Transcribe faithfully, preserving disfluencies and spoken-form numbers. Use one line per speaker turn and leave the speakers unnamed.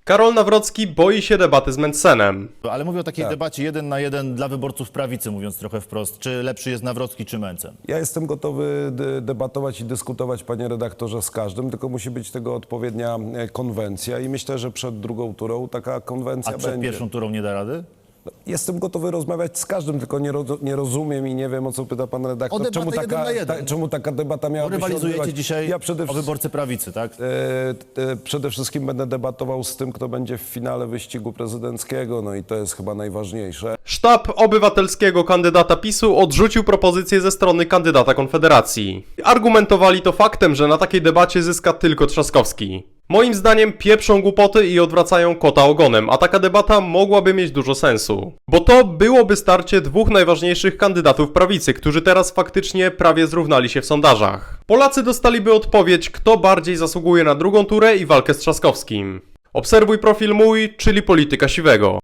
Karol Nawrocki boi się debaty z Mencenem.
Ale mówię o takiej
Tak.
debacie jeden na jeden dla wyborców prawicy, mówiąc trochę wprost. Czy lepszy jest Nawrocki czy Mencen?
Ja jestem gotowy de- debatować i dyskutować, panie redaktorze, z każdym, tylko musi być tego odpowiednia e, konwencja i myślę, że przed drugą turą taka konwencja
A przed
będzie.
pierwszą turą nie da rady?
Jestem gotowy rozmawiać z każdym, tylko nie, ro- nie rozumiem i nie wiem, o co pyta pan redaktor.
O debatę
czemu,
jeden
taka,
na jeden.
ta, czemu taka debata
Bo
miałaby się
rywalizujecie
odbywać?
dzisiaj
Ja przede
o
wszystkim,
wyborcy prawicy, tak?
e, e, przede wszystkim będę debatował z tym, kto będzie w finale wyścigu prezydenckiego, no i to jest chyba najważniejsze.
Sztab obywatelskiego kandydata PiSu odrzucił propozycję ze strony kandydata Konfederacji. Argumentowali to faktem, że na takiej debacie zyska tylko Trzaskowski. Moim zdaniem pieprzą głupoty i odwracają kota ogonem, a taka debata mogłaby mieć dużo sensu. Bo to byłoby starcie dwóch najważniejszych kandydatów prawicy, którzy teraz faktycznie prawie zrównali się w sondażach. Polacy dostaliby odpowiedź, kto bardziej zasługuje na drugą turę i walkę z Trzaskowskim. Obserwuj profil mój, czyli Polityka Siwego.